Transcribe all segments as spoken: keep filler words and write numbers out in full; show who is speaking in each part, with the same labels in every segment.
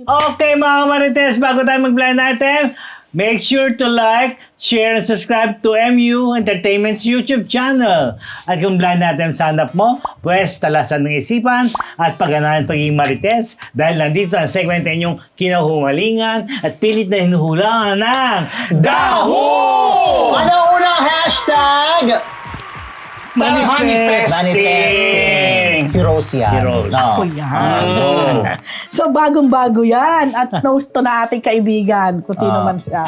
Speaker 1: Okay mga Marites, bago tayo mag-blind item, make sure to like, share, and subscribe to M U Entertainment's YouTube channel. At kung blind item sanap mo, pwes talasan ng isipan at pagganahan pagiging Marites dahil nandito ang segment na inyong kinahumalingan at pilit na hinuhulangan ng Daho!
Speaker 2: Ano unang hashtag?
Speaker 1: Manifesting!
Speaker 2: Manifesting. Si Rose yan.
Speaker 1: Si Rose.
Speaker 2: No.
Speaker 3: Ako yan.
Speaker 2: Oh.
Speaker 3: So, bagong-bago yan. At knows to na ating kaibigan kung sino
Speaker 2: Ah.
Speaker 3: man siya.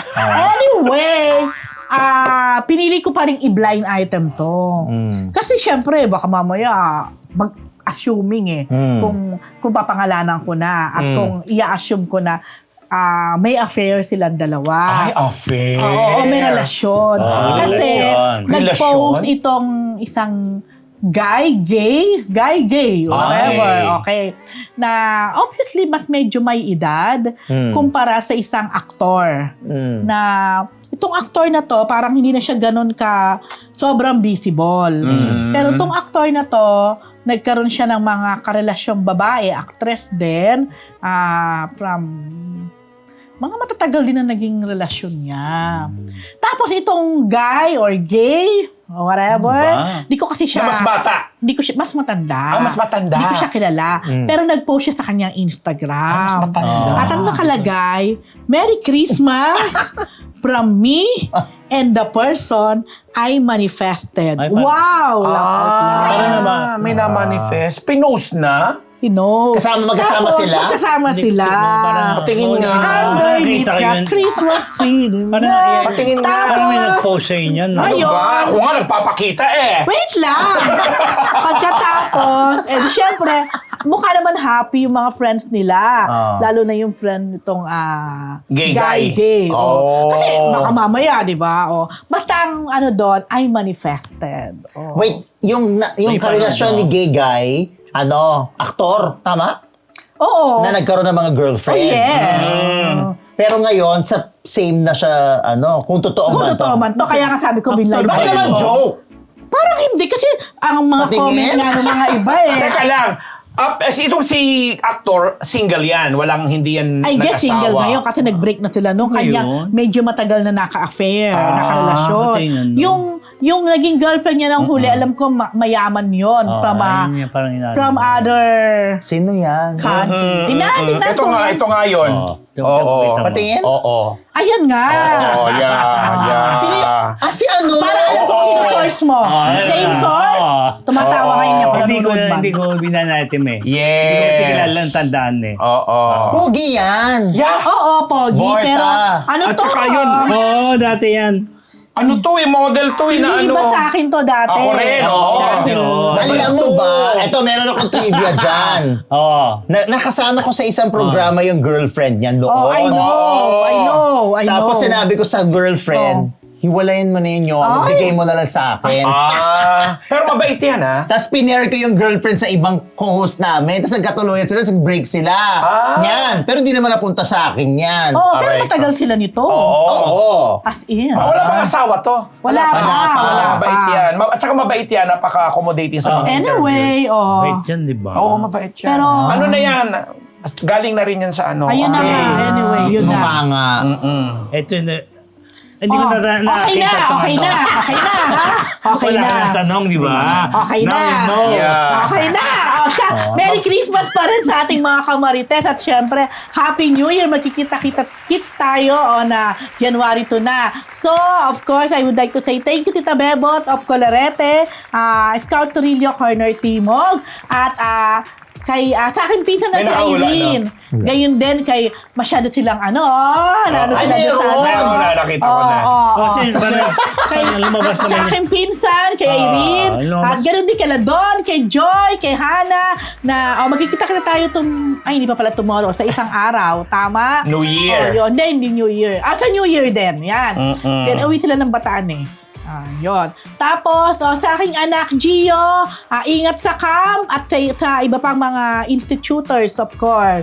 Speaker 3: Anyway, ah pinili ko pa rin i-blind item to.
Speaker 2: Mm.
Speaker 3: Kasi syempre, baka mamaya mag-assuming eh.
Speaker 2: Mm.
Speaker 3: Kung, kung papangalanan ko na at
Speaker 2: Mm.
Speaker 3: kung i-assume ko na ah may affair silang dalawa.
Speaker 4: Ay, affair.
Speaker 3: Oo, may relasyon.
Speaker 1: Ah,
Speaker 3: Kasi
Speaker 1: relasyon.
Speaker 3: nag-post
Speaker 4: Relasyon?
Speaker 3: itong isang guy, gay, guy, gay, whatever, okay. Na obviously mas medyo may edad
Speaker 2: Hmm.
Speaker 3: kumpara sa isang aktor.
Speaker 2: Mm.
Speaker 3: Na itong aktor na to, parang hindi na siya ganun ka sobrang visible.
Speaker 4: Mm.
Speaker 3: Pero itong aktor na to, nagkaroon siya ng mga karelasyong babae, actress din, ah from mga matatagal din na naging relasyon niya. Tapos itong guy or gay, or whatever,
Speaker 1: Ano ba?
Speaker 3: di ko kasi siya...
Speaker 4: Na mas bata.
Speaker 3: Di ko siya, mas matanda.
Speaker 4: Ah, mas matanda.
Speaker 3: Di ko siya kilala. Pero nag-post siya sa kanyang Instagram.
Speaker 4: Ah, mas matanda.
Speaker 3: At ang nakalagay, Merry Christmas from me and the person I manifested.
Speaker 1: Ay, parang-
Speaker 3: Wow! Laugh out loud.
Speaker 1: Parang naman.
Speaker 4: Ah, may na-manifest. Pinost na?
Speaker 3: Pinos.
Speaker 2: Kasama- magkasama
Speaker 3: Tapos,
Speaker 2: sila?
Speaker 3: Magkasama sila.
Speaker 1: Parang-
Speaker 4: Patingin nga.
Speaker 3: Underneath
Speaker 1: Nakita ko
Speaker 3: the
Speaker 1: yun.
Speaker 3: Christmas tree.
Speaker 1: Parang,
Speaker 4: Patingin nga.
Speaker 1: parang may
Speaker 3: Tapos,
Speaker 1: nag-post sa inyo. No?
Speaker 3: Ay,
Speaker 4: Ano ba?
Speaker 3: Ayun.
Speaker 4: Ako nga nagpapakita eh.
Speaker 3: wait lang! Pagkatapos, eh di syempre, mukha naman happy yung mga friends nila.
Speaker 2: Ah.
Speaker 3: Lalo na yung friend nitong ah,
Speaker 4: Gay
Speaker 3: guy.
Speaker 4: guy.
Speaker 3: gay. Oh.
Speaker 4: Oh.
Speaker 3: Kasi baka mamaya, di ba? Oh. Basta ang ano doon, I manifested. Oh.
Speaker 2: Wait, yung, na, yung
Speaker 1: May parang
Speaker 2: karelasyon
Speaker 1: ano.
Speaker 2: ni gay guy, ano, aktor, tama?
Speaker 3: Oo.
Speaker 2: Na nagkaroon ng mga
Speaker 3: Oh,
Speaker 2: girlfriend.
Speaker 3: yes. Oh.
Speaker 2: Pero ngayon, sa same na siya, ano, kung totoo
Speaker 3: Kung
Speaker 2: ba
Speaker 3: totoo
Speaker 2: to?
Speaker 3: man to, kaya nga sabi ko, binlay
Speaker 2: Baka
Speaker 3: ba
Speaker 2: naman
Speaker 3: yun?
Speaker 2: joke.
Speaker 3: Parang hindi, kasi ang mga
Speaker 2: Patingin?
Speaker 3: comment nga ng mga iba eh.
Speaker 4: Teka lang. Uh, si itong si actor, single yan. Walang hindi yan
Speaker 3: I guess
Speaker 4: nag-asawa.
Speaker 3: single ngayon kasi nag-break na sila nung kanya
Speaker 1: Ngayon?
Speaker 3: medyo matagal na naka-affair,
Speaker 4: Ah,
Speaker 3: naka-relasyon.
Speaker 1: pati yun, no?
Speaker 3: Yung yung naging girlfriend niya ng huli, alam ko ma- mayaman yon
Speaker 1: Oh,
Speaker 3: from ah,
Speaker 1: ayun yung parang inaano.
Speaker 3: from other
Speaker 2: Sino yan?
Speaker 3: country. Tingnan,
Speaker 4: Mm,
Speaker 3: tingnan
Speaker 4: ito
Speaker 3: ko
Speaker 4: nga,
Speaker 3: yan.
Speaker 4: ito nga yun.
Speaker 1: Oo. Ito-
Speaker 4: Oo.
Speaker 1: ito, kita mo.
Speaker 2: Patingin?
Speaker 4: Oo.
Speaker 3: Ayan nga.
Speaker 4: Oo, yeah, yeah.
Speaker 2: Sino y- Ah, si ano?
Speaker 3: Para alam ko kino source mo.
Speaker 1: Ah,
Speaker 3: Same
Speaker 1: ah,
Speaker 3: source?
Speaker 1: ah.
Speaker 3: Tumatawa
Speaker 4: Oo.
Speaker 3: kayo niya kung
Speaker 1: Hindi ko,
Speaker 3: nanonood man.
Speaker 1: hindi ko binanatim eh.
Speaker 4: Yes.
Speaker 1: Hindi ko kasi kilala ang tandaan eh.
Speaker 4: Oo.
Speaker 2: Pogi yan.
Speaker 4: Yeah.
Speaker 3: Oo, Pogi.
Speaker 2: Borta.
Speaker 3: Pero ano
Speaker 4: At
Speaker 3: to?
Speaker 4: saka yun,
Speaker 3: ah,
Speaker 1: Oo, oh, dati yan.
Speaker 4: Ano to eh, model to eh, na
Speaker 3: Hindi
Speaker 4: ano.
Speaker 3: iba sa akin to dati.
Speaker 4: Ako rin, oo.
Speaker 3: Dati.
Speaker 1: Oo.
Speaker 2: Alam mo ba, eto meron akong trivia dyan.
Speaker 1: Oo.
Speaker 2: Na, nakasama ko sa isang programa yung girlfriend niyan doon.
Speaker 3: Oh, I know. I know. I know.
Speaker 2: Tapos sinabi ko sa girlfriend, hiwalayin mo na yun yung,
Speaker 3: Ay.
Speaker 2: bigay mo na lang sa akin.
Speaker 4: Ah, pero mabait yan ah.
Speaker 2: Tapos pinare ko yung girlfriend sa ibang co-host namin. Tapos nagkatuluyan sila, nag-break sila.
Speaker 4: Ah.
Speaker 2: Yan. Pero di naman napunta sa akin yan.
Speaker 3: Oo, pero
Speaker 4: Aray.
Speaker 3: matagal sila nito.
Speaker 4: Oo.
Speaker 2: Oo.
Speaker 3: As in.
Speaker 4: Ah, wala pang asawa to.
Speaker 3: Wala pa.
Speaker 2: Wala pa.
Speaker 3: Wala pa.
Speaker 4: Mabait yan. Ma- At saka mabait yan, napaka-accommodating sa mga
Speaker 3: Anyway, oh.
Speaker 1: Wait yan, di ba?
Speaker 4: Oo, mabait yan.
Speaker 3: Pero-
Speaker 4: ano na yan? As- Galing na rin yan sa ano.
Speaker 3: Ayun na
Speaker 4: Okay.
Speaker 3: nga. Anyway, yun na.
Speaker 2: Mukha nga.
Speaker 4: Mm-mm.
Speaker 1: Ito na. Hindi ko
Speaker 3: Oh,
Speaker 1: na
Speaker 3: okay
Speaker 1: nakakita
Speaker 3: na,
Speaker 1: itong
Speaker 3: okay
Speaker 1: ano.
Speaker 3: na, okay na, ha? Okay
Speaker 1: Wala
Speaker 3: na.
Speaker 1: kang tanong, di ba?
Speaker 3: Okay
Speaker 1: Now
Speaker 3: na.
Speaker 1: you know.
Speaker 4: Yeah.
Speaker 3: Okay na. O siya, Merry Christmas pa rin sa ating mga kamarites at syempre, Happy New Year. Magkikita-kita kits tayo on uh, January two na. So, of course, I would like to say thank you Tita Bebot of Colorete, uh, Scout Torillo Corner Timog, at uh, kay uh, sa akin pinsan na
Speaker 4: May
Speaker 3: si
Speaker 4: nakahula,
Speaker 3: Irene. Gayon din kay masyado silang ano, oh, lalo
Speaker 2: Ay,
Speaker 3: sila doon sa
Speaker 2: meron.
Speaker 4: Meron na, nakita ko na.
Speaker 3: Oo, oo,
Speaker 1: Kasi
Speaker 3: oo.
Speaker 1: parang,
Speaker 3: Kay,
Speaker 1: parang lumabas
Speaker 3: sa
Speaker 1: naman yun.
Speaker 3: aking pinsan, kay
Speaker 1: Ah,
Speaker 3: Irene,
Speaker 1: lumabas.
Speaker 3: at ganoon din kay Ladon, kay Joy, kay Hannah, na oh, magkikita ka na tayo tum ay hindi pa pala tomorrow, sa isang araw, tama?
Speaker 4: New Year.
Speaker 3: Oh, yun, hindi, hindi New Year. Ah, sa New Year din, yan.
Speaker 4: Mm-mm.
Speaker 3: Then, uwi sila ng Bataan eh. Ah, yun. Tapos, oh, sa aking anak, Gio, ah, ingat sa camp at sa, sa iba pang mga institutors, of course.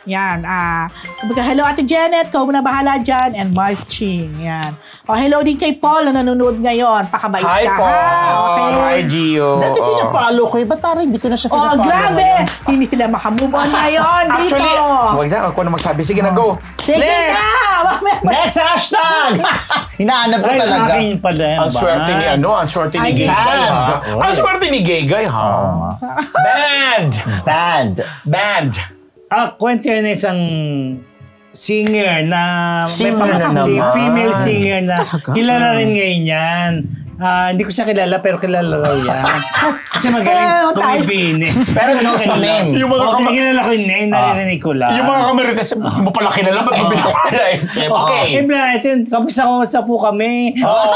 Speaker 3: Yan. Ah, kumbaga, hello Ate Janet, ikaw na bahala dyan. And Mars Ching. Yan. O, hello din kay Paul na nanonood ngayon. Pakabait
Speaker 4: Hi,
Speaker 3: ka,
Speaker 4: Paul.
Speaker 3: ha? Okay.
Speaker 4: Hi, Gio.
Speaker 2: Dati
Speaker 4: Oo.
Speaker 2: fina-follow ko eh. Ba't parang hindi ko na siya
Speaker 3: Oh,
Speaker 2: fina-follow
Speaker 3: grabe!
Speaker 2: ngayon?
Speaker 3: Hindi sila makamove on ngayon dito.
Speaker 4: Actually, wag na, ako na magsabi. Sige na, go.
Speaker 3: Sige
Speaker 4: Next!
Speaker 3: na! Mamaya-
Speaker 2: Next hashtag! Hinahanap ko
Speaker 1: Ay,
Speaker 2: talaga.
Speaker 1: akin pala yan.
Speaker 4: Ang swerte ni ano, ang swerte ni
Speaker 3: Ay,
Speaker 4: Gay Guy, ha?
Speaker 2: bad.
Speaker 4: Ang swerte ni Gay Guy, ha? Bad!
Speaker 2: Bad.
Speaker 4: Bad!
Speaker 1: Ah, kwento yan ng isang singer na
Speaker 4: Singer
Speaker 1: may
Speaker 4: na
Speaker 1: si-
Speaker 4: naman.
Speaker 1: female singer na kilala rin ngayon yan. Ah, hindi ko siya kilala pero kilala raw yan. Kasi
Speaker 3: Eh,
Speaker 1: magaling
Speaker 3: tayo.
Speaker 1: tumibin eh.
Speaker 2: Pero knows the name.
Speaker 4: Yung mga
Speaker 1: Oo,
Speaker 4: kama-
Speaker 1: kilala ko yung name, naririnig ko lang.
Speaker 4: Yung mga kamerites, hindi mo pala kilala, ba't mo binawala eh? Okay.
Speaker 1: Eh, bla, ito yun, kapisa-kapisa po kami.
Speaker 4: Oo.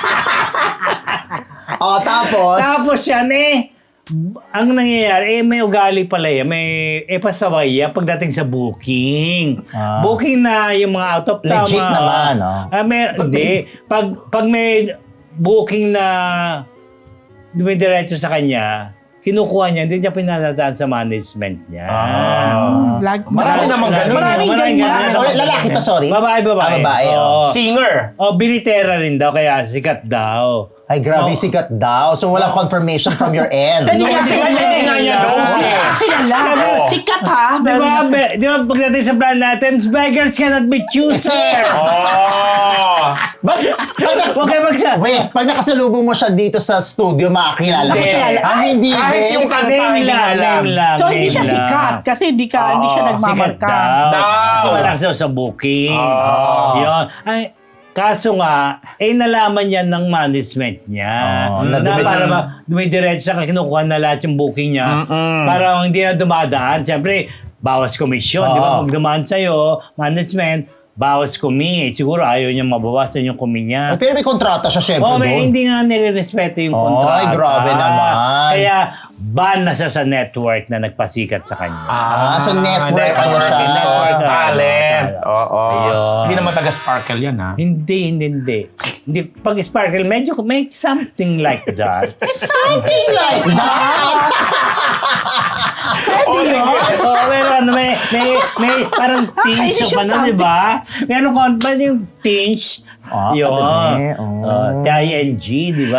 Speaker 2: Oh, tapos?
Speaker 1: Tapos yan eh, ang nangyayari, eh may ugali pala yan, may eh pasaway yan pagdating sa booking.
Speaker 2: Ah.
Speaker 1: Booking na yung mga out of town.
Speaker 2: Legit
Speaker 1: mga-
Speaker 2: naman, oh.
Speaker 1: Ah, may, hindi. Pag, pag may booking na dumidiretso sa kanya, kinukuha niya, hindi niya pinadadaan sa management niya.
Speaker 4: Ah.
Speaker 3: Lag-
Speaker 4: Marami namang ganun.
Speaker 3: Maraming ganyan.
Speaker 2: Oh, lalaki to, sorry.
Speaker 1: Babae, babae.
Speaker 2: Ah, babae,
Speaker 1: Oo.
Speaker 4: Singer.
Speaker 1: Oh, binitera rin daw, kaya sikat daw.
Speaker 2: Ay, grabe,
Speaker 1: Oh.
Speaker 2: sikat daw. So, walang confirmation from your end.
Speaker 3: Pwede
Speaker 4: Hindi kasi
Speaker 3: kasi
Speaker 4: nga hindi nga niya knows eh.
Speaker 3: Kilala.
Speaker 4: Oo.
Speaker 3: Sikat ha.
Speaker 1: Di ba, be, di ba pagdating sa blind items, beggars cannot be choosers.
Speaker 4: Oh.
Speaker 2: But,
Speaker 1: Huwag kayo magsa...
Speaker 2: wait, pag nakasalubong mo siya dito sa studio, makakilala ko
Speaker 4: Hindi.
Speaker 2: siya. Ah, hindi
Speaker 4: Kahit
Speaker 2: din.
Speaker 4: yung kanta,
Speaker 1: Name
Speaker 4: hindi
Speaker 1: lang,
Speaker 4: alam.
Speaker 1: name lang.
Speaker 3: So, hindi
Speaker 1: name
Speaker 3: siya
Speaker 1: lang.
Speaker 3: sikat kasi hindi ka, hindi siya
Speaker 4: Oo,
Speaker 1: Sikat
Speaker 3: nagmamarka.
Speaker 1: daw.
Speaker 4: Daw.
Speaker 1: Kasi wala siya sa booking.
Speaker 4: Oh.
Speaker 1: Yun. Ay, kaso nga, eh nalaman niya ng management niya.
Speaker 2: Oh,
Speaker 1: na
Speaker 2: na-
Speaker 1: para ba, dumidiretso siya, kinukuha na lahat yung booking niya.
Speaker 4: Mm-mm.
Speaker 1: Para hindi na dumadaan. Siyempre, bawas komisyon. Di ba?
Speaker 2: Oo.
Speaker 1: Pag dumaan sa'yo, management, bawas kumi. Eh, siguro ayaw niya mabawasan yung kumi niya.
Speaker 2: Pero may kontrata siya, syempre,
Speaker 1: Oh, may
Speaker 2: doon.
Speaker 1: hindi nga nire-respeto yung
Speaker 2: Ay,
Speaker 1: kontrata.
Speaker 2: grabe naman.
Speaker 1: Kaya ban na siya sa network na nagpasikat sa kanya.
Speaker 2: Ah, so network ano siya?
Speaker 1: Network,
Speaker 4: Oh, talent.
Speaker 1: ano,
Speaker 4: Oo.
Speaker 1: Ayun.
Speaker 4: Hindi naman taga-sparkle yan, ha?
Speaker 1: Hindi, hindi, hindi. Hindi, pag sparkle, medyo may something like that.
Speaker 2: Something like that!
Speaker 4: Oh, sige.
Speaker 1: oh, pero ano, may, may, may parang tinge
Speaker 3: Nakakainis
Speaker 1: pa
Speaker 3: yung
Speaker 1: na, di ba? Meron ko, ba yung tinge?
Speaker 2: Ah,
Speaker 1: Yun.
Speaker 2: pati, oh.
Speaker 1: Uh, T I N G, di ba?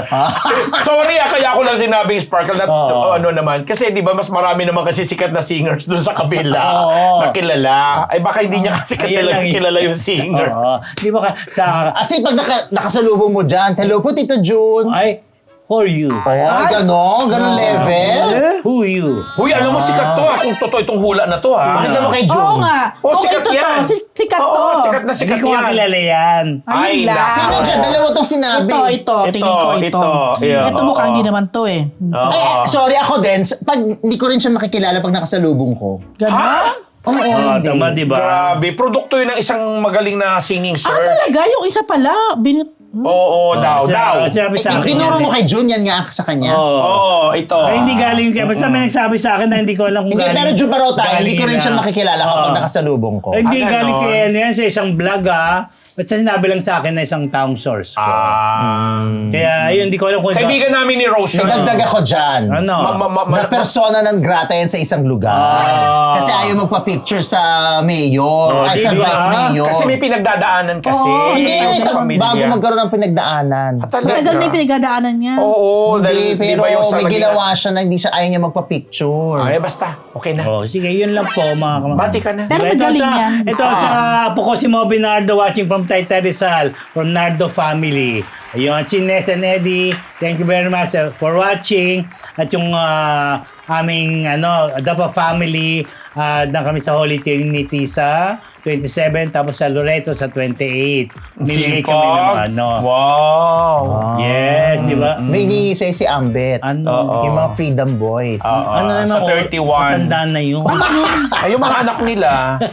Speaker 4: Sorry ah, kaya ako lang sinabing sparkle na
Speaker 1: Oo.
Speaker 4: ano naman. Kasi di ba mas marami naman kasi sikat na singers doon sa kabila
Speaker 1: Oo.
Speaker 4: na kilala. Ay baka hindi niya kasi
Speaker 1: Ayun
Speaker 4: kilala,
Speaker 1: lang yun.
Speaker 4: kilala yung singer.
Speaker 1: Oo. Di ba ka, sa,
Speaker 2: Kasi pag naka, nakasalubong mo dyan, hello po, Tito June.
Speaker 1: ay, who are you?
Speaker 2: Ay, gano'n? Gano'n level?
Speaker 1: Who you?
Speaker 4: Huy, alam mo sikat to ah. Kung totoo itong hula na to ah.
Speaker 2: Pakita mo kay June.
Speaker 3: Oo nga.
Speaker 4: Oh,
Speaker 3: Kung
Speaker 4: sikat
Speaker 3: ito
Speaker 4: yan.
Speaker 3: to, si- sikat
Speaker 4: Oo,
Speaker 3: to.
Speaker 4: sikat na
Speaker 1: Hindi
Speaker 4: sikat
Speaker 1: ko
Speaker 4: yan.
Speaker 1: kakilala yan.
Speaker 3: Ayun
Speaker 4: Ay,
Speaker 3: lang.
Speaker 4: nako.
Speaker 2: Sino dyan? Dalawa tong sinabi.
Speaker 3: Ito, ito.
Speaker 4: Ito,
Speaker 3: Tingin ko ito.
Speaker 4: ito. Yeah,
Speaker 3: Ito
Speaker 4: oo.
Speaker 3: mukhang hindi naman to eh.
Speaker 4: Oo.
Speaker 2: Ay, sorry ako din. Pag hindi ko rin siya makikilala pag nakasalubong ko.
Speaker 3: Ganon?
Speaker 2: Oo,
Speaker 1: Oh,
Speaker 2: hindi.
Speaker 1: tama, di ba?
Speaker 4: Grabe, produkto yun ng isang magaling na singing
Speaker 3: Ah,
Speaker 4: search.
Speaker 3: talaga? Yung isa pala. Binit...
Speaker 4: Oo, daw, daw.
Speaker 1: Sabi sa
Speaker 2: Eh,
Speaker 1: akin.
Speaker 2: tinuro
Speaker 1: yan
Speaker 2: mo
Speaker 1: eh.
Speaker 2: kay June, yan nga sa kanya.
Speaker 1: Oo.
Speaker 4: Oo, ito.
Speaker 1: Ay, hindi galing kaya. Basta may nagsabi sa akin na hindi ko alam kung
Speaker 2: Hindi,
Speaker 1: galing.
Speaker 2: pero June Barota, hindi ko rin
Speaker 1: galing
Speaker 2: siya
Speaker 1: na-
Speaker 2: makikilala
Speaker 1: Oo.
Speaker 2: kapag nakasalubong ko.
Speaker 1: Eh, Hindi
Speaker 4: Ah,
Speaker 1: galing
Speaker 4: ganon.
Speaker 1: kaya ano yan sa isang vlog ah. Basta sinabi lang sa akin na isang taong source ko.
Speaker 4: Ah.
Speaker 1: Kaya ayun, hindi ko alam kung
Speaker 4: Kaibigan namin ni Rose
Speaker 2: May
Speaker 4: yun.
Speaker 2: dagdag ako dyan.
Speaker 1: Ano?
Speaker 4: Ma- ma- ma-
Speaker 2: Na persona ng grata yan sa isang lugar.
Speaker 1: Ah.
Speaker 2: Kasi ayaw magpa-picture sa mayor,
Speaker 1: Oh,
Speaker 2: ay sa
Speaker 1: di ba?
Speaker 2: vice mayor.
Speaker 4: Kasi may pinagdadaanan kasi.
Speaker 3: Oo,
Speaker 2: Hindi,
Speaker 4: Yung sa pamilya.
Speaker 2: bago magkaroon ng pinagdaanan.
Speaker 4: Ah, talaga?
Speaker 3: Matagal na yung pinagdadaanan niya.
Speaker 4: Oo,
Speaker 2: Hindi,
Speaker 4: dahil di
Speaker 2: pero
Speaker 4: ba yung sa
Speaker 2: may
Speaker 4: Laguna-
Speaker 2: ginawa siya na hindi siya ayaw niya magpa-picture.
Speaker 4: Ay, basta. Okay na.
Speaker 1: Oh, sige, yun lang po mga kamag.
Speaker 4: Bati ka na.
Speaker 3: Pero
Speaker 1: Ito,
Speaker 3: magaling
Speaker 1: ito,
Speaker 3: yan.
Speaker 1: Ito, sa apo ko si Moby Nardo watching from Taytay Rizal, from Nardo family. Ayun, si Ness and Eddie, thank you very much uh, for watching. At yung ah, aming, ano, Adapa family, uh, na kami sa Holy Trinity sa twenty-seven, tapos sa Loreto sa twenty-eight. Minigay kami ng ano.
Speaker 4: Wow.
Speaker 1: Yes, di ba?
Speaker 2: May iniisay si Ambet.
Speaker 1: Ano?
Speaker 4: Oo.
Speaker 2: Yung mga Freedom Boys.
Speaker 4: Oo.
Speaker 1: Ano
Speaker 4: Ah,
Speaker 1: naman
Speaker 4: sa
Speaker 1: ako,
Speaker 4: thirty-one.
Speaker 1: matanda na yun.
Speaker 4: Ay, yung mga anak nila.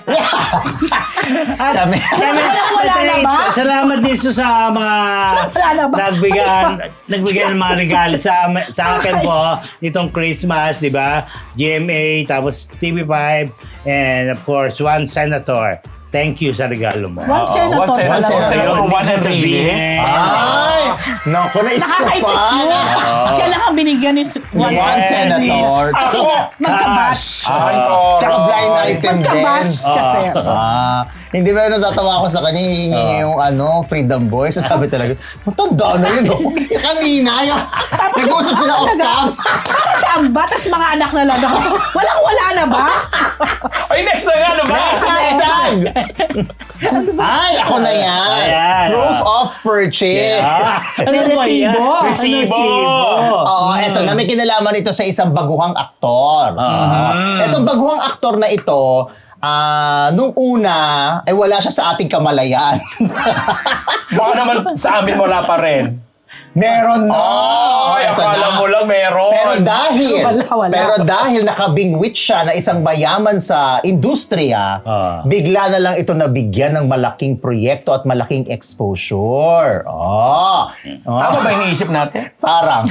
Speaker 1: At,
Speaker 2: Sabi-
Speaker 3: Wala, wala na ba?
Speaker 1: Salamat din so sa mga
Speaker 3: Wala na ba?
Speaker 1: nagbigyan, nagbigyan ng mga regalo sa, am- sa akin po itong Christmas, di ba? G M A, tapos T V five, and of course, one senator. thank you sa regalo mo.
Speaker 3: One
Speaker 4: Oo,
Speaker 3: senator.
Speaker 4: one senator,
Speaker 3: pala.
Speaker 4: one senator,
Speaker 1: Ayun,
Speaker 4: one and
Speaker 1: sasabihin.
Speaker 4: really.
Speaker 2: Ay! Naku, na-isip
Speaker 3: Nakakaisip
Speaker 2: pa.
Speaker 3: yun. Siya lang ang binigyan ni one,
Speaker 2: One
Speaker 1: Yes.
Speaker 2: senator.
Speaker 4: Ako!
Speaker 3: Magkabatch.
Speaker 4: Ay,
Speaker 2: Tsaka blind item din.
Speaker 3: Magkabatch kasi.
Speaker 2: Ah, hindi ba natatawa ako sa kanya, hihingi niya yung ano, Freedom Boy. Sasabi talaga, matanda na yun. Oh. Kanina, yung nag-uusap sila off cam.
Speaker 3: Parang kamba, tapos mga anak na lang. Walang-wala na ba?
Speaker 4: Ay, next na nga, ano ba?
Speaker 2: Next hashtag! Ay, ako na yan.
Speaker 1: Ayan.
Speaker 2: Proof of purchase.
Speaker 1: Ah, ano
Speaker 3: May
Speaker 1: ba yan?
Speaker 3: resibo.
Speaker 4: Resibo.
Speaker 2: Oo, eto na. May kinalaman ito sa isang baguhang aktor. Uh, Etong baguhang aktor na ito, ah, nung una, ay wala siya sa ating kamalayan.
Speaker 4: Baka naman sa amin wala pa rin.
Speaker 2: Meron na!
Speaker 4: Ay,
Speaker 2: Eto
Speaker 4: akala
Speaker 2: na.
Speaker 4: mo lang meron.
Speaker 2: Pero dahil,
Speaker 3: Wala, wala.
Speaker 2: pero dahil nakabingwit siya na isang mayaman sa industriya,
Speaker 1: Ah.
Speaker 2: bigla na lang ito nabigyan ng malaking proyekto at malaking exposure. Oh. Oh.
Speaker 4: Tama ba yung iniisip natin?
Speaker 2: Parang.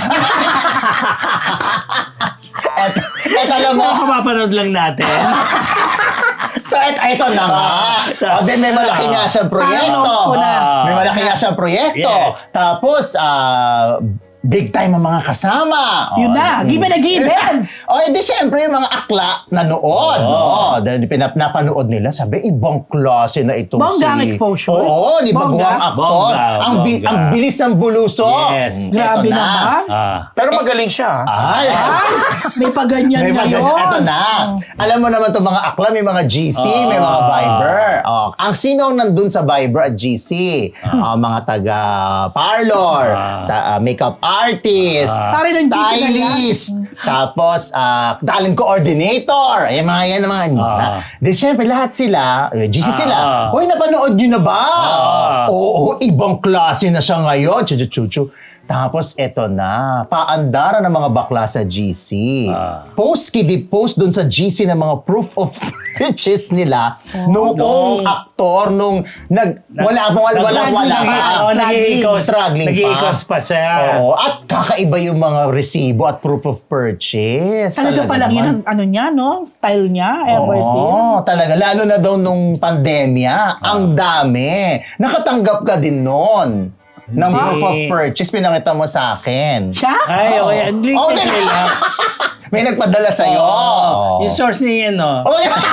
Speaker 2: et, et alam mo,
Speaker 1: Ano kapapanood lang natin?
Speaker 2: so et, eto na nga. O din may malaki nga siyang proyekto.
Speaker 3: Parang ko na.
Speaker 2: May malaki nga siyang proyekto.
Speaker 1: Yes.
Speaker 2: Tapos, ah, big time ang mga kasama.
Speaker 3: Yun
Speaker 2: O,
Speaker 3: na, given a given.
Speaker 2: O, edi siyempre yung mga akla nanood. Oh. Dahil pinap napanood nila, sabi, ibang klase na itong
Speaker 3: Bongga ang
Speaker 2: si...
Speaker 3: exposure.
Speaker 2: Oo, ni
Speaker 3: Bongga.
Speaker 2: baguang aktor.
Speaker 1: Bongga,
Speaker 2: ang, bi-
Speaker 1: bongga.
Speaker 2: ang bilis ng buluso.
Speaker 1: Yes.
Speaker 2: Eto
Speaker 3: Grabe
Speaker 2: na.
Speaker 3: naman.
Speaker 1: Ah.
Speaker 4: Pero magaling siya.
Speaker 2: Ay,
Speaker 3: Ay, may paganyan
Speaker 2: may
Speaker 3: ngayon.
Speaker 2: mga, eto na. Alam mo naman itong mga akla, may mga G C, may mga Viber. Oh, ang sino ang nandun sa Viber at G C? Ah, mga taga parlor,
Speaker 1: Ah.
Speaker 2: ta- ah, makeup artist,
Speaker 3: Pare ng G C na yan.
Speaker 2: stylist, tapos ah, talent coordinator. Ay, mga yan mga
Speaker 1: Ah.
Speaker 2: Di syempre lahat sila, eh, G C sila.
Speaker 1: Ah.
Speaker 2: Hoy, napanood nyo na ba?
Speaker 1: Ah.
Speaker 2: Oo, ibang klase na siya ngayon. Chuchu-chuchu. Tapos eto na, paandara ng mga bakla sa G C.
Speaker 1: Ah.
Speaker 2: Post kidi post dun sa G C ng mga proof of purchase nila noong
Speaker 1: Nung-
Speaker 2: aktor nung nag wala wala wala wala
Speaker 3: Nag-
Speaker 2: pa.
Speaker 1: Oo, nag-i-ikos.
Speaker 2: Struggling pa.
Speaker 1: Nag-i-ikos pa siya.
Speaker 2: Oo, at kakaiba yung mga resibo at proof of purchase.
Speaker 3: Talaga pa lang
Speaker 2: naman.
Speaker 3: yun ang ano niya, no? Style niya, ever since.
Speaker 2: Oo, talaga. Lalo na daw nung pandemya, ang dami. Nakatanggap ka din noon ng
Speaker 1: Hindi.
Speaker 2: proof of purchase. Pinakita mo sa akin.
Speaker 3: Siya?
Speaker 1: Ay, okay. Ang
Speaker 2: Oh,
Speaker 1: recently lang.
Speaker 2: May nagpadala sa'yo.
Speaker 1: Oh. Yung source niya, no?
Speaker 2: Oh, yeah.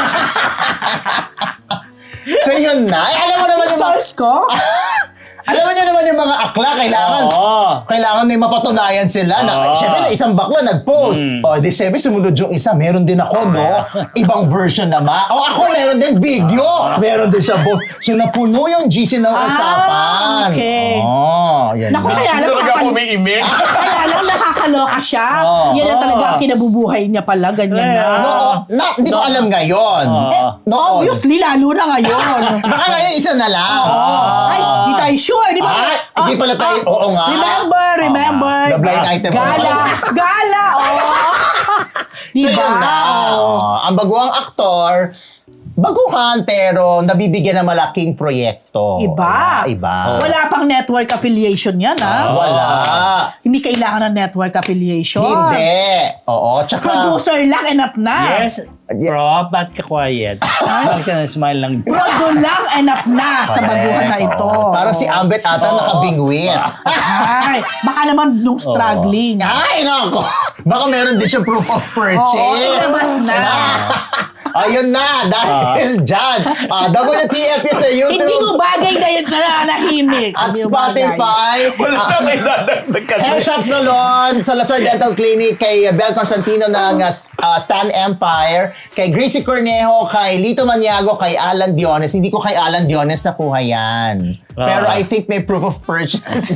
Speaker 2: So yun na. Eh, alam mo naman
Speaker 3: Yung
Speaker 2: yung mga,
Speaker 3: source ko?
Speaker 2: alam mo niyo naman yung mga akla, kailangan,
Speaker 1: Oo.
Speaker 2: kailangan may mapatunayan sila. Na,
Speaker 1: Oo.
Speaker 2: Siyempre na isang bakla nag-post. O, di siyempre sumunod yung isa. Meron din ako, no? Ibang version naman. O, ako meron din video. Meron din siya post. So, napuno yung G C ng
Speaker 3: Ah,
Speaker 2: usapan.
Speaker 3: okay.
Speaker 2: Oh, yan
Speaker 3: Naku,
Speaker 2: na.
Speaker 3: kaya alam,
Speaker 4: Talaga
Speaker 3: nakakal-
Speaker 4: ako may email.
Speaker 3: kaya alam, nakakaloka siya.
Speaker 2: Oo.
Speaker 3: Yan na talaga ang kinabubuhay niya pala, ganyan na.
Speaker 2: No, oh, na, hindi ko alam ngayon.
Speaker 1: Oo.
Speaker 2: Noon.
Speaker 3: Obviously, lalo na ngayon.
Speaker 2: Baka ngayon isa na lang.
Speaker 3: Ay, di tayo sure, di ba?
Speaker 2: Ay, hindi pala tayo- oo nga.
Speaker 3: Remember, remember.
Speaker 2: The blind item.
Speaker 3: Gala, gala, oh. Di
Speaker 2: So,
Speaker 3: ba?
Speaker 2: yun na. Oh, ang baguang aktor, baguhan pero nabibigyan ng malaking proyekto.
Speaker 3: Iba.
Speaker 2: Diba? Iba.
Speaker 3: Wala pang network affiliation yan, ha?
Speaker 2: Wala.
Speaker 3: Hindi kailangan ng network affiliation.
Speaker 2: Hindi. Oo, tsaka...
Speaker 3: Producer lang, enough na.
Speaker 1: Yes. Bro, ba't ka quiet? Bakit ka na-smile lang?
Speaker 3: Prodo lang, enough na sa baguhan na ito.
Speaker 2: Parang si Ambet ata nakabingwit.
Speaker 3: Ay, baka naman nung struggling.
Speaker 2: Ay, nako. Baka meron din siya proof of purchase.
Speaker 3: Oo, ilabas na.
Speaker 2: Ayun na, dahil dyan. Uh, W T F sa YouTube.
Speaker 3: Hindi mo bagay na yun na nanahimik.
Speaker 2: At
Speaker 3: Hindi mo bagay.
Speaker 2: Spotify.
Speaker 4: Wala na kayo dadagdag kasi.
Speaker 2: Hair Shop Salon, Salazar Dental Clinic, kay Bel Constantino ng uh, Stan Empire, kay Gracie Cornejo, kay Lito Maniago, kay Alan Diones. Hindi ko kay Alan Diones nakuha yan. Pero I think may proof of purchase. This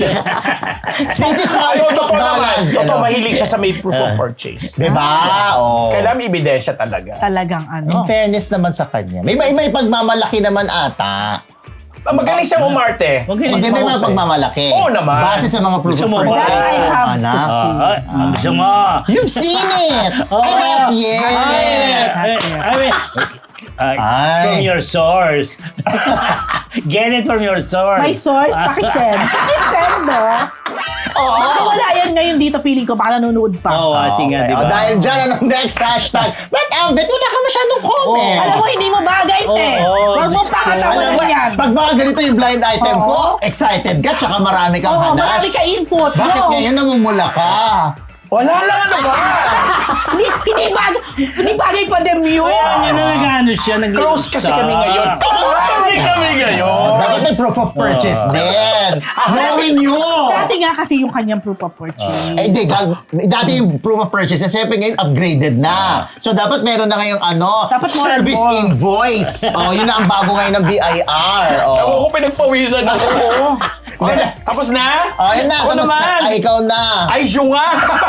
Speaker 2: is how
Speaker 4: Ayaw,
Speaker 2: it's
Speaker 4: totoo naman.
Speaker 2: done.
Speaker 4: Totoo, mahilig siya sa may proof of purchase.
Speaker 2: Diba? Oh.
Speaker 4: Kailangan may ebidensya talaga.
Speaker 3: Talagang
Speaker 2: In
Speaker 3: ano.
Speaker 2: fairness naman sa kanya. May, may, may pagmamalaki naman ata.
Speaker 4: Magaling siyang umarte.
Speaker 1: Okay.
Speaker 2: Hindi may mga pagmamalaki.
Speaker 4: Oo naman.
Speaker 2: Base sa mga proof
Speaker 1: Gusto
Speaker 2: of
Speaker 1: mo ba?
Speaker 2: purchase.
Speaker 3: That I have
Speaker 2: Anak.
Speaker 3: to see.
Speaker 1: Ah, ah, gusto mo?
Speaker 2: You've seen it!
Speaker 1: Oh,
Speaker 2: Ay, not yet!
Speaker 1: Ay, ay, I mean, Uh,
Speaker 2: Ay.
Speaker 1: from your source. Get it from your source.
Speaker 3: My source, pakisend. Pakisend, no?
Speaker 4: Oo.
Speaker 3: Baka wala yan ngayon dito, feeling ko, baka nanonood pa.
Speaker 1: Oh, watching nga,
Speaker 2: Okay.
Speaker 1: di ba?
Speaker 2: O, dahil dyan, anong next hashtag? But, Ambit, wala ka masyadong comment.
Speaker 3: Alam mo, hindi mo bagay, te.
Speaker 1: Oo,
Speaker 3: Huwag mo
Speaker 1: Diyos ko.
Speaker 3: pakatawanan
Speaker 2: Alam mo,
Speaker 3: yan.
Speaker 2: pag mga ganito yung blind item ko,
Speaker 3: Oo.
Speaker 2: excited ka, tsaka marami kang
Speaker 3: Oo,
Speaker 2: hanas.
Speaker 3: marami ka input.
Speaker 2: Bakit
Speaker 3: Go.
Speaker 2: ngayon namumula ka?
Speaker 4: Wala lang ano ba?
Speaker 3: Hindi, hindi bagay, hindi bagay pa dem yun.
Speaker 1: Kaya na nag-ano siya, nag
Speaker 4: Close kasi kami ngayon. Close kasi kami ngayon.
Speaker 2: Dapat may proof of purchase din. Knowing you.
Speaker 3: Dati nga kasi yung kanyang proof of purchase.
Speaker 2: Eh, di, gag- dati yung proof of purchase, eh, siyempre ngayon upgraded na. So, dapat meron na ngayong ano,
Speaker 3: Dapat more and
Speaker 2: service
Speaker 3: more.
Speaker 2: invoice. Oh, yun na ang bago ngayon ng B I R.
Speaker 4: Ako
Speaker 2: Oh.
Speaker 4: ko pinagpawisan ako. Oh, tapos na?
Speaker 2: Oh, yun na.
Speaker 4: Ako
Speaker 2: Tapos na.
Speaker 4: naman.
Speaker 2: Ay, ikaw na.
Speaker 4: Ay, siya nga.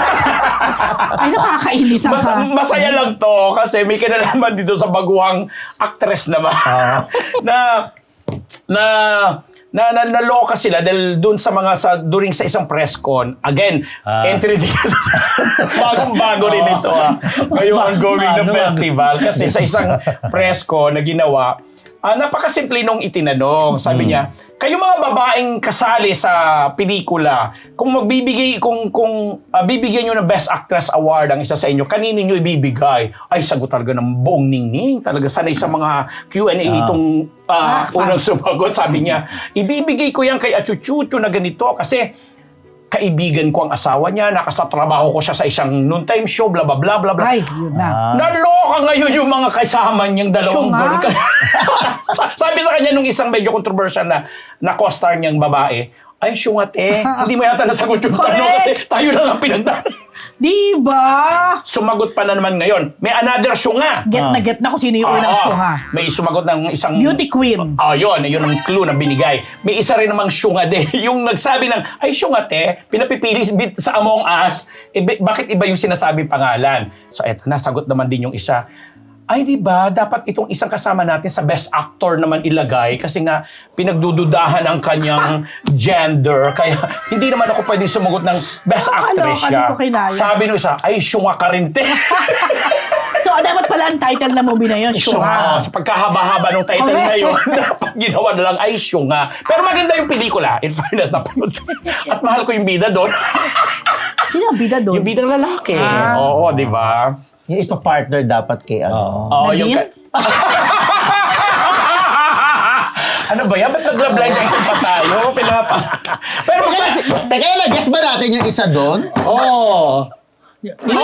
Speaker 3: Ay, nakakainis ang
Speaker 4: Mas, masaya lang to kasi may kinalaman dito sa baguhang actress naman. na na na na naloka sila dahil doon sa mga sa during sa isang press con. Again,
Speaker 1: Ah.
Speaker 4: entry ticket. Bagong-bago rin ito ah. Ngayong ongoing na
Speaker 1: Ano, ano?
Speaker 4: festival kasi sa isang press con na ginawa, Ah, napakasimple nung itinanong. Sabi niya, kayo mga babaeng kasali sa pelikula, kung magbibigay, kung, kung ah, bibigyan nyo ng Best Actress Award ang isa sa inyo, kanino nyo ibibigay? Ay, sagot talaga ng buong ningning. Talaga sanay sa mga Q and A itong ah, unang sumagot. Sabi niya, ibibigay ko yan kay Achuchucho na ganito kasi kaibigan ko ang asawa niya, nakasatrabaho ko siya sa isang noontime show, bla bla bla bla bla.
Speaker 3: Ay, yun na.
Speaker 4: Naloka ngayon yung mga kasama niyang dalawang
Speaker 3: Siya nga.
Speaker 4: gorika. Sabi sa kanya nung isang medyo controversial na na co-star niyang babae, ay syungate, hindi mo yata nasagot yung tanong kasi
Speaker 3: Correct.
Speaker 4: tayo lang ang pinagdaan.
Speaker 3: Di ba?
Speaker 4: Sumagot pa na naman ngayon. May another syunga.
Speaker 3: Get na get na kung sino yung unang
Speaker 4: Oo.
Speaker 3: syunga.
Speaker 4: May sumagot ng isang...
Speaker 3: Beauty queen.
Speaker 4: Ah, yun. Yun ang clue na binigay. May isa rin namang syunga de. Yung nagsabi ng, ay syungate, pinapipili bit sa Among Us. Eh, ba- bakit iba yung sinasabing pangalan? So, eto na. Sagot naman din yung isa. Ay, di ba? Dapat itong isang kasama natin sa best actor naman ilagay kasi nga pinagdududahan ang kanyang gender. Kaya hindi naman ako pwedeng sumagot ng best actress
Speaker 3: Nakakaloka,
Speaker 4: siya.
Speaker 3: di ko kinaya.
Speaker 4: Sabi nung isa, ay syunga ka rin, te.
Speaker 3: So, dapat pala ang title ng movie na yun,
Speaker 4: Syunga.
Speaker 3: syunga.
Speaker 4: Sa pagkahaba-haba ng title
Speaker 3: Correct.
Speaker 4: na yun, dapat ginawa na lang ay syunga. Pero maganda yung pelikula. In fairness, napanood ko. At mahal ko yung bida doon.
Speaker 3: Sino ang bida doon?
Speaker 4: Yung bidang lalaki.
Speaker 3: Ah.
Speaker 4: Oo, di ba?
Speaker 2: Yung ipa-partner dapat kay ano.
Speaker 4: Oo, yung...
Speaker 3: Nadine?
Speaker 4: Ka- ano ba yan? Ba't nag-blind item pa tayo? Pinapa... Pero
Speaker 2: Teka,
Speaker 4: mas...
Speaker 2: si- teka lang, guess ba natin yung isa doon?
Speaker 1: Oh.
Speaker 4: Oo!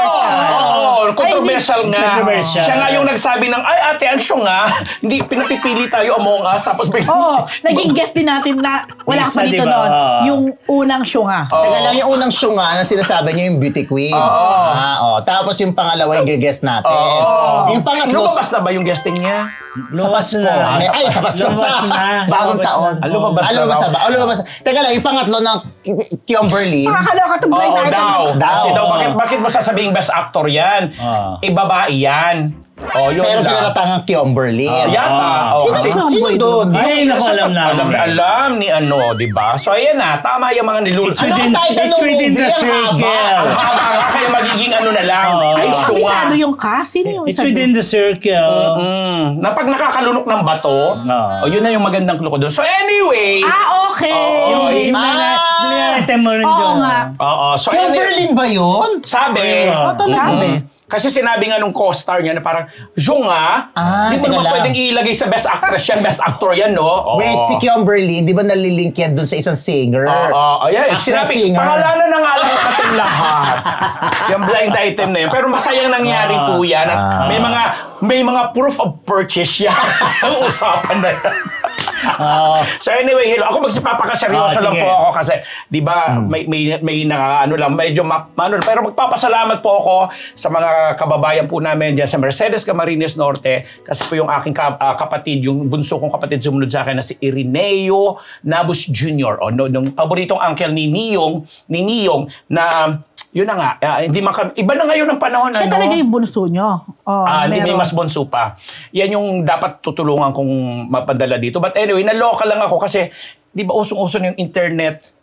Speaker 4: Oo! Controversial nga.
Speaker 1: Controversial.
Speaker 4: Siya nga yung nagsabi ng, ay ate, ang syunga, hindi, pinapipili tayo Among Us, tapos bigla...
Speaker 3: Oo, naging guest din natin na wala
Speaker 1: Isa,
Speaker 3: pa dito
Speaker 1: diba?
Speaker 3: noon.
Speaker 1: Oo.
Speaker 3: Yung unang syunga.
Speaker 2: Teka lang, yung unang syunga na sinasabi niyo yung beauty queen. Ah, oh. Tapos yung pangalawa yung guess natin.
Speaker 4: Oo.
Speaker 2: Yung pangatlo,
Speaker 4: Lumabas na ba yung guesting niya?
Speaker 2: sa Pasko.
Speaker 1: na.
Speaker 2: Ay, ay, sa Pasko
Speaker 1: Lumabas
Speaker 2: sa
Speaker 1: na.
Speaker 2: bagong
Speaker 1: Lumabas
Speaker 2: taon.
Speaker 1: na.
Speaker 4: Ah, lumabas
Speaker 2: Ah,
Speaker 4: na
Speaker 2: lumabas
Speaker 4: raw.
Speaker 2: na ba? Oh, lumabas na. Teka lang, yung pangatlo ng Kimberly.
Speaker 3: Nakakaloka itong blind
Speaker 4: Oo,
Speaker 3: item.
Speaker 4: daw.
Speaker 2: Daw.
Speaker 4: Kasi daw, bakit, bakit mo sasabing best actor yan?
Speaker 1: Ah.
Speaker 4: Eh, babae yan. Oh, yun
Speaker 2: Pero
Speaker 4: lang.
Speaker 2: pinaratangang Kimberly.
Speaker 4: Ah, yata. Oh,
Speaker 3: Sino
Speaker 4: kasi,
Speaker 3: ang
Speaker 2: Sino
Speaker 3: boy
Speaker 2: doon?
Speaker 3: doon?
Speaker 1: Ay, naku, alam na.
Speaker 4: alam na alam ni ano, di ba? So, ayan na. Tama yung mga nilulot.
Speaker 1: It's
Speaker 2: Ano
Speaker 1: within,
Speaker 2: ang title
Speaker 1: it's
Speaker 2: ng
Speaker 1: within
Speaker 2: movie?
Speaker 1: the
Speaker 2: Ang
Speaker 1: circle.
Speaker 4: Ang haba nga, kaya magiging ano na lang.
Speaker 1: Oo.
Speaker 4: Ay, syunga.
Speaker 3: Kabisado yung cast. Sino yung
Speaker 1: It's
Speaker 3: isa
Speaker 1: within
Speaker 3: doon?
Speaker 1: the circle.
Speaker 4: Mm, na pag nakakalunok ng bato,
Speaker 1: Ah.
Speaker 4: oh, yun na yung magandang clue ko doon. So, anyway.
Speaker 3: Ah, okay.
Speaker 4: Oo,
Speaker 1: Yung
Speaker 4: eh,
Speaker 1: yung
Speaker 2: Ah!
Speaker 1: mga blind item mo rin
Speaker 3: Oo
Speaker 1: doon.
Speaker 3: nga.
Speaker 4: Oo, so anyway.
Speaker 2: Kimberly ba yun?
Speaker 4: Sabi,
Speaker 1: Oo,
Speaker 3: talaga.
Speaker 4: Mm-mm. Kasi sinabi nga nung co-star niya na parang, Zhonga,
Speaker 2: Ah,
Speaker 4: di mo
Speaker 2: teka
Speaker 4: naman
Speaker 2: lang.
Speaker 4: pwedeng ilagay sa best actress yan, best actor yan, no? Oo.
Speaker 2: Wait, si Kimberly, di ba nalilink yan dun sa isang singer?
Speaker 4: Oo, oh, yeah.
Speaker 2: Actress,
Speaker 4: Sinabi,
Speaker 2: singer.
Speaker 4: pangalanan na nga lang natin lahat. Yung blind item na yun. Pero masayang nangyari po yan. At
Speaker 2: Ah.
Speaker 4: may mga may mga proof of purchase yan. Ang usapan na yan.
Speaker 1: Oo.
Speaker 4: So anyway, hello. Ako magsipapakaseryoso
Speaker 1: Ah,
Speaker 4: lang
Speaker 1: sige.
Speaker 4: po ako kasi 'di ba may may may naka, ano lang medyo ma, ano, pero magpapasalamat po ako sa mga kababayan po namin diyan sa Mercedes Camarines Norte kasi po yung aking ka, ah, kapatid, yung bunso kong kapatid sumunod sa akin na si Irineo Nabus Junior O no, nung paboritong uncle ni Niyong, ni Niyong na yun na nga, ah, hindi maka, iba na ngayon ang panahon
Speaker 3: Siya
Speaker 4: ano.
Speaker 3: talaga yung bunso nyo. Oh,
Speaker 4: Ah, hindi may
Speaker 3: meron.
Speaker 4: mas bonso pa. Yan yung dapat tutulungan kong mapadala dito. But anyway, naloka lang ako kasi, di ba usong-uso na yung internet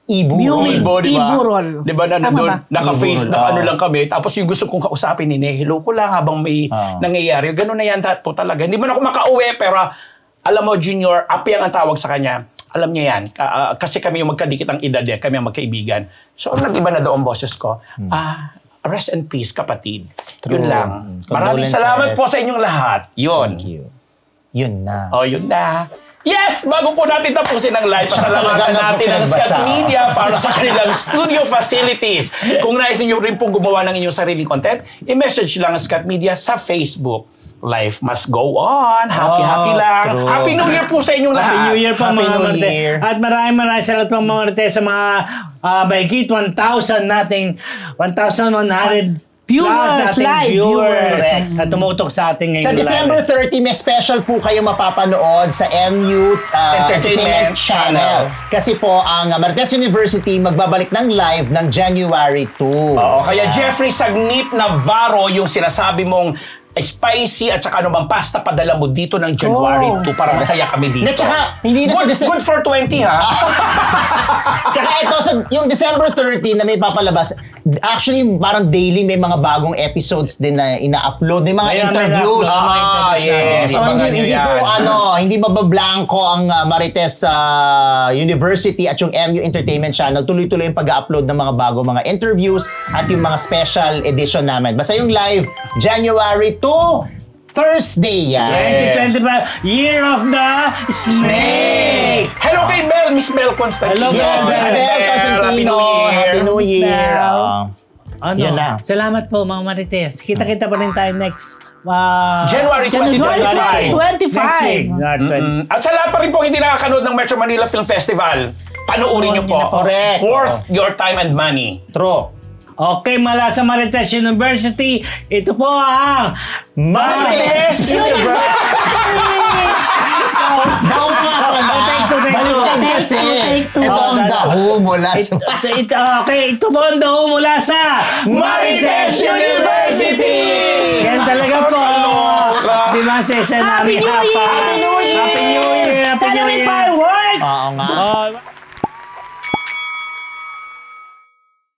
Speaker 2: Ibu.
Speaker 3: Ibu.
Speaker 4: Ibo, di ba?
Speaker 3: Iburol.
Speaker 4: Di ba na
Speaker 3: Tama
Speaker 4: nandun,
Speaker 3: ba?
Speaker 4: naka-face,
Speaker 2: Iburol,
Speaker 4: naka-ano
Speaker 2: oo.
Speaker 4: lang kami. Tapos yung gusto kong kausapin, hinihilo ko lang habang may
Speaker 2: Oo.
Speaker 4: nangyayari. Ganun na yan po talaga. Hindi man ako makauwi, pero alam mo, Junior, Apyang ang tawag sa kanya. Alam niya yan. Ka- ah, kasi kami yung magkadikit ang edad eh. Kami ang magkaibigan. So, nag-iba na doon ang boses ko. Ah, rest in peace, kapatid.
Speaker 2: True.
Speaker 4: Yun lang.
Speaker 2: Mm.
Speaker 4: Maraming
Speaker 2: Condolences.
Speaker 4: salamat po sa inyong lahat. Yun.
Speaker 2: Thank you. Yun na.
Speaker 4: Oh, yun na. Yes! Bago po natin tapusin ang live, pasalamatan
Speaker 2: Talaga
Speaker 4: natin ang
Speaker 2: nagbasa.
Speaker 4: Scat Media para sa kanilang studio facilities. Kung nais niyo rin pong gumawa ng inyong sariling content, i-message lang ang Scat Media sa Facebook. Life must go on. Happy,
Speaker 1: Oh,
Speaker 4: happy lang.
Speaker 2: true.
Speaker 4: Happy New Year po sa inyong lahat.
Speaker 1: Happy New Year po
Speaker 2: Happy
Speaker 1: mga
Speaker 2: New
Speaker 1: Marte.
Speaker 2: Year.
Speaker 1: At maraming maraming salamat po mga Marte sa mga uh, mahigit one thousand nating one thousand one hundred
Speaker 3: Viewers,
Speaker 1: plus nating
Speaker 3: live
Speaker 1: viewers
Speaker 3: viewers.
Speaker 1: na tumutok sa ating ngayon.
Speaker 2: Sa December thirty, may special po kayo mapapanood sa M U uh,
Speaker 4: Entertainment
Speaker 2: Entertainment Channel. Kasi po, ang uh, Marites University magbabalik ng live ng January two.
Speaker 4: Oo, kaya Jeffrey Sagnip Navarro, yung sinasabi mong spicy at saka ano bang pasta padala mo dito ng January
Speaker 3: Oh.
Speaker 4: two para masaya kami dito.
Speaker 2: Na tsaka, hindi na sa
Speaker 4: good,
Speaker 2: Dece-
Speaker 4: good for twenty ha.
Speaker 2: Tsaka ito, sa, yung December thirty na may papalabas, actually, parang daily may mga bagong episodes din na ina-upload. May mga
Speaker 1: May- may
Speaker 2: interviews.
Speaker 1: na-upload.
Speaker 4: Ah,
Speaker 1: Mga
Speaker 4: yes.
Speaker 1: interviews
Speaker 2: So,
Speaker 4: Abangan
Speaker 2: hindi,
Speaker 4: nyo
Speaker 2: hindi
Speaker 4: yan.
Speaker 2: po, ano, hindi mabablanko ang uh, Marites uh, University at yung M U Entertainment Channel. Tuloy-tuloy yung pag-upload ng mga bago mga interviews at yung mga special edition namin. Basta yung live, January two, Thursday yan.
Speaker 1: twenty twenty-five, Year of the Snake!
Speaker 4: Hello kay Bel, Miss Bel Constantino.
Speaker 1: Hello,
Speaker 2: Yes, Miss
Speaker 1: Bel.
Speaker 2: Bel Constantino. Happy New Year.
Speaker 3: Bel.
Speaker 2: Ah.
Speaker 1: Ano?
Speaker 2: Yan na.
Speaker 1: Salamat po mga Marites. Kita-kita pa rin tayo next uh,
Speaker 4: January twenty
Speaker 3: January
Speaker 4: twenty-five.
Speaker 3: twenty-five.
Speaker 1: Next week. January twenty.
Speaker 4: Mm. At sa lahat pa rin po hindi nakakanood ng Metro Manila Film Festival, panoorin niyo po.
Speaker 2: Correct.
Speaker 4: Worth your time and money.
Speaker 2: True.
Speaker 1: Okay, mula sa Marites University, ito po ang
Speaker 2: Marites Daw nga pala.
Speaker 1: Take two, take two.
Speaker 2: Baliktad
Speaker 3: Take
Speaker 2: kasi.
Speaker 3: two, take two.
Speaker 2: Ito ang
Speaker 1: Oh,
Speaker 2: daho mula
Speaker 1: Ito,
Speaker 2: sa...
Speaker 1: ito, ito, okay, ito po ang daho mula sa
Speaker 4: Marites University!
Speaker 1: Yan talaga po. Di ba, Cesar?
Speaker 3: Happy New Year!
Speaker 1: Happy New Year! Happy New
Speaker 3: Sana may
Speaker 1: Year!
Speaker 3: fireworks!
Speaker 2: Oo nga.
Speaker 1: Oh,